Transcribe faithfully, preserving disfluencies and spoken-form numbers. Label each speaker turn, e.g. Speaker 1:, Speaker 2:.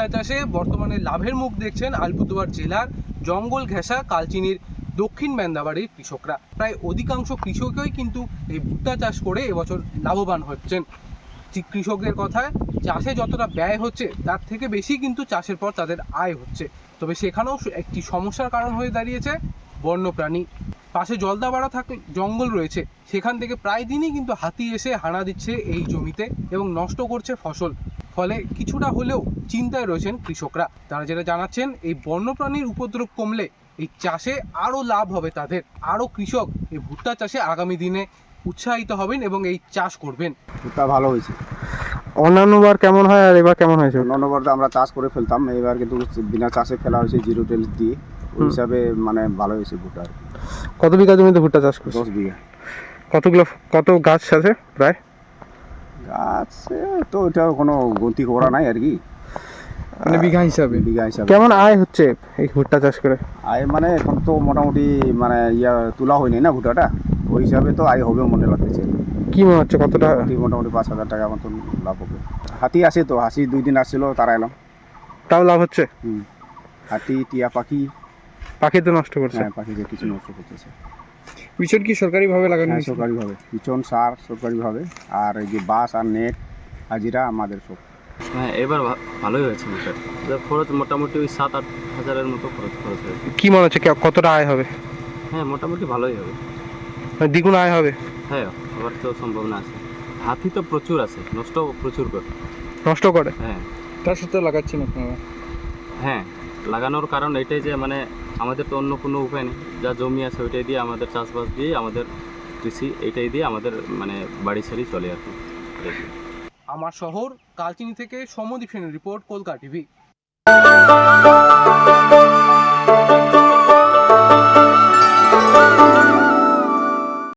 Speaker 1: চাষে বর্তমানে লাভের মুখ দেখছেন আলিপুরদুয়ার জেলার জঙ্গল ঘেঁষা কালচিনির দক্ষিণ মেন্দাবাড়ির কৃষকরা। প্রায় অধিকাংশ কৃষকই কিন্তু এই ভুট্টা চাষ করে এবছর লাভবান হচ্ছেন। কৃষকদের কথায় চাষে যতটা ব্যয় হচ্ছে তার থেকে বেশি কিন্তু চাষের পর তাদের আয় হচ্ছে। তবে সেখানেও একটি সমস্যার কারণ হয়ে দাঁড়িয়েছে বন্যপ্রাণী। পাশে জলদাপাড়া থাকলে জঙ্গল রয়েছে, সেখান থেকে প্রায় দিনই কিন্তু হাতি এসে হানা দিচ্ছে এই জমিতে এবং নষ্ট করছে ফসল। ফলে কিছুটা হলেও চিন্তায় রয়েছেন কৃষকরা। তারা যেটা জানাচ্ছেন, এই বন্যপ্রাণীর উপদ্রব কমলে এই চাষে আরও লাভ হবে তাদের। আরও কৃষক এই ভুট্টা চাষে আগামী দিনে উৎসাহিত হবেন এবং এই চাষ করবেন।
Speaker 2: ভুট্টা ভালো হয়েছে।
Speaker 3: অন্যান্যবার কেমন হয় আর এবার কেমন হয়েছে?
Speaker 2: অন্যান্যবার তো আমরা চাষ করে ফেলতাম, এবার কিন্তু বিনা চাষে ফেলা হয়েছে জিরো টেল দিয়ে, ওই হিসাবে মানে ভালো হয়েছে ভুট্টা।
Speaker 3: কত বিঘা জমিতে ভুট্টা চাষ করছে?
Speaker 2: দশ বিঘা।
Speaker 3: কতগুলো কত গাছ আছে প্রায়?
Speaker 2: গাছ তো এটা কোনো গন্তি করা নাই আর কি,
Speaker 3: মানে বিঘা হিসাবে?
Speaker 2: বিঘা হিসাবে।
Speaker 3: কেমন আয় হচ্ছে এই ভুট্টা চাষ করে?
Speaker 2: আয় মানে এখন তো মোটামুটি মানে ইয়া তোলা হয়নি না ভুট্টাটা, ওই হিসাবে তো আয় হবে মনে লাগতেছে।
Speaker 3: কি মনে হচ্ছে কতটা?
Speaker 2: মোটামুটি পাঁচ হাজার টাকা মতন লাভ হবে। হাতি আসে তো, হাসি দুই দিন আসছিল, তারা এলাম,
Speaker 3: তাও লাভ হচ্ছে?
Speaker 2: হুম, হাতি, টিয়া পাখি।
Speaker 3: পাখি তো নষ্ট করছে?
Speaker 2: হ্যাঁ, পাখিকে কিছু নষ্ট করতেছে।
Speaker 3: বিচন কি সরকারিভাবে লাগানো?
Speaker 2: হ্যাঁ, সরকারিভাবে বিচন সার সরকারিভাবে, আর এই যে বাঁশ আর নেট হাজিরা আমাদের সব।
Speaker 4: হ্যাঁ, এবার ভালোই হয়েছে। খরচ মোটামুটি ওই সাত আট হাজারের মতো খরচ খরচ হয়েছে।
Speaker 3: কি মনে হচ্ছে কতটা আয় হবে?
Speaker 4: হ্যাঁ, মোটামুটি ভালোই হবে,
Speaker 3: দ্বিগুণ আয় হবে?
Speaker 4: হ্যাঁ, আবার তো সম্ভাবনা আছে। হাতি তো প্রচুর আছে, নষ্ট প্রচুর করে
Speaker 3: নষ্ট করে।
Speaker 4: হ্যাঁ,
Speaker 3: তার সাথে লাগাচ্ছেন আপনারা?
Speaker 4: হ্যাঁ, লাগানোর কারণ এটাই যে মানে আমাদের তো অন্য কোনো উপায় নেই, যা জমি আছে ওইটাই দিয়ে আমাদের চাষবাস দিয়ে আমাদের কৃষি এইটাই দিয়ে আমাদের মানে বাড়ি সারি চলে আর কি।
Speaker 1: আমার শহর কালচিনি থেকে সৌম্যদীপ সেনের রিপোর্ট, কলকাতা টিভি।